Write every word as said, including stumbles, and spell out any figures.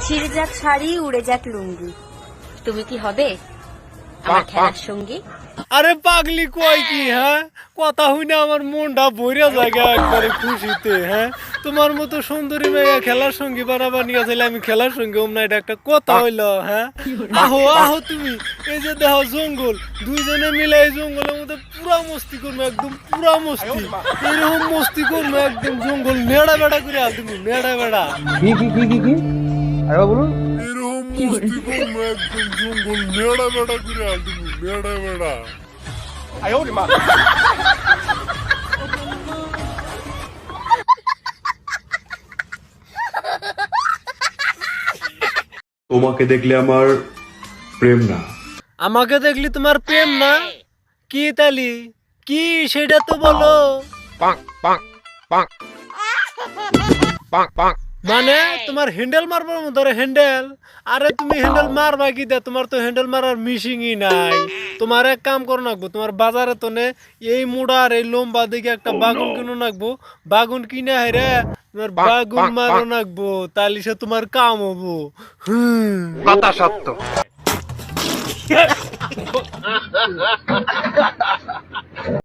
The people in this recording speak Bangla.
ছিঁড়ে যাক শাড়ি, উড়ে যাক লুঙ্গি, তুমি কি হবে আমার খেলার সঙ্গী? আরে পাগলি কয় কি? হ্যাঁ, কথা হইনা আমার মনটা ভরিয়া জায়গা একবারে খুশিতে। হ্যাঁ, তোমার মতো সুন্দরী মেয়ে খেলার সঙ্গী বানাবার নিয়ে চাইলে আমি খেলার সঙ্গী ওম না, এটা একটা কথা হইলো? হ্যাঁ, আহো আহো তুমি, এই যে দেখো জঙ্গল, দুইজনে মিলে এই জঙ্গলের মধ্যে পুরা মস্তি করবো, একদম পুরা মস্তি, এরকম মস্তি করবো একদম জঙ্গল নেড়া বেড়া করে আল তুমি, নেড়া বেড়া। কি কি কি কি কি আরে বলুন। এরকম মস্তি করবো একদম জঙ্গল নেড়া বেড়া করে আল তুমি, নেড়া বেড়া। তোমাকে দেখলে আমার প্রেম না। আমাকে দেখলি তোমার প্রেম না? কি তালি কি সেটা তো বলো। মানে তোমার হ্যান্ডেল মারবার মতো হ্যান্ডেল? আরে তুমি হ্যান্ডেল মারবা কি দে, তোমার তো হ্যান্ডেল মারার মিশিংই নাই। তোমার এক কাম করো নাকবো, তোমার বাজারে তো নে এই মুড়ার এই লম্বা দিকে একটা বাগুন কিনো নাকবো, বাগুন কিনে হাইরে তোমার বাগুন মারো নাকবো, তাহলে সে তোমার কাম হবো। হুম, কথা সত্য।